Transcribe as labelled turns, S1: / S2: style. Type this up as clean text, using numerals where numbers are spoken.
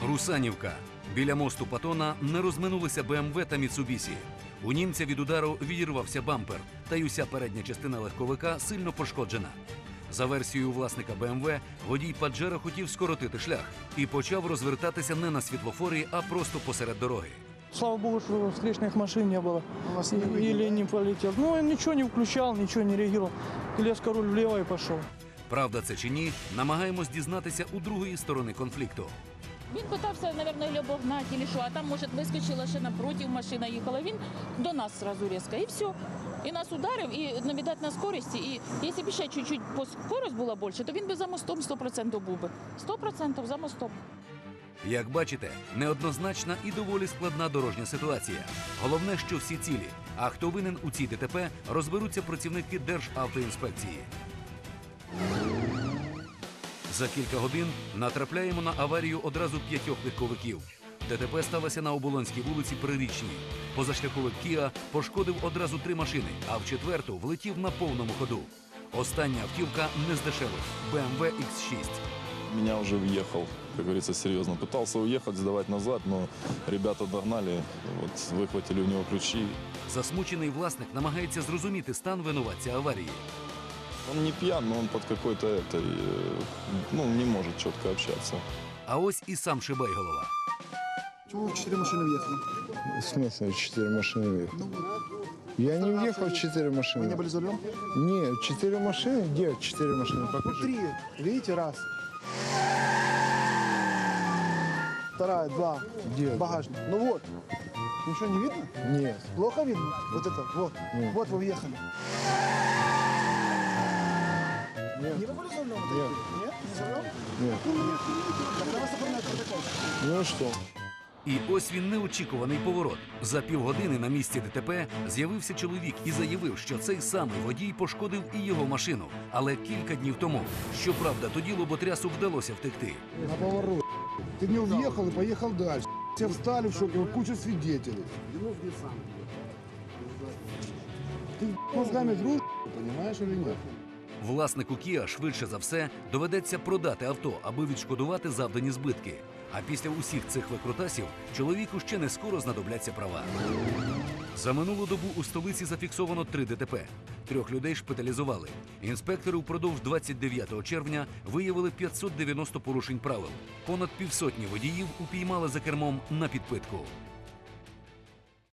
S1: Русанівка. Біля мосту Патона не розминулися БМВ та Міцубісі. У німця від удару відірвався бампер, та й уся передня частина легковика сильно пошкоджена. За версією власника БМВ, водій Паджеро хотів скоротити шлях і почав розвертатися не на світлофорі, а просто посеред дороги.
S2: Слава богу, что встречных машин не было. Или не полетел. Ну, он ничего не включал, ничего не реагировал. Резко руль влево и пошел.
S1: Правда це чи ні, намагаємось дізнатися у другої сторони конфлікту.
S3: Він питався, мабуть, обогнати, чи що, а там, може, вискочила ще напротив, машина їхала. Він до нас одразу різко, і все. І нас ударив, і навідати на скорості. І якщо б ще чуть-чуть скорость була більше, то він би за мостом 100% був би. 100% за мостом.
S1: Як бачите, неоднозначна і доволі складна дорожня ситуація. Головне, що всі цілі. А хто винен у цій ДТП, розберуться працівники Державтоінспекції. За кілька годин натрапляємо на аварію одразу 5 легковиків. ДТП сталося на Оболонській вулиці Прирічній. Позашляховик Кіа пошкодив одразу 3 машини, а в четверту влетів на повному ходу. Остання автівка не з дешевих – BMW X6.
S4: Меня уже въехал, как говорится, серьезно. Пытался уехать, сдавать назад, но ребята догнали, вот, выхватили у него ключи.
S1: Засмучений власник намагається зрозуміти стан винуватця аварії.
S4: Он не пьян, но он под какой-то не может четко общаться.
S1: А ось і сам Шибайголова.
S5: Чего 4 машины въехали?
S6: В смысле 4 машины въехали?
S5: Ну вот.
S6: Я не въехал в 4
S5: Вы
S6: машины.
S5: не были за рулем?
S6: Нет, 4 машины? Где 4 машины? Покажи.
S5: 3. Видите, раз. Вторая, 2.
S6: Где?
S5: Багажник. Ну вот. Ничего не видно?
S6: Нет.
S5: Плохо видно? Вот это, вот.
S6: Нет.
S5: Вот вы въехали.
S6: Нет.
S5: Не вы были за рулем?
S6: Нет.
S5: Нет? Не за рулем?
S6: Нет.
S5: Нет. Тогда вас оформляют протокол.
S6: Ну и что?
S1: І ось він неочікуваний поворот. За півгодини на місці ДТП з'явився чоловік і заявив, що цей самий водій пошкодив і його машину. Але кілька днів тому. Щоправда, тоді лоботрясу вдалося втекти.
S7: На поворот. Ты в него въехал и поехал дальше. Все встали в шоке, куча свидетелей. Ты мозгами дружишь, понимаешь или нет?
S1: Власнику Кіа швидше за все доведеться продати авто, аби відшкодувати завдані збитки. А після усіх цих викрутасів чоловіку ще не скоро знадобляться права. За минулу добу у столиці зафіксовано 3 ДТП. 3 людей шпиталізували. Інспектори впродовж 29 червня виявили 590 порушень правил. Понад півсотні водіїв упіймали за кермом на підпитку.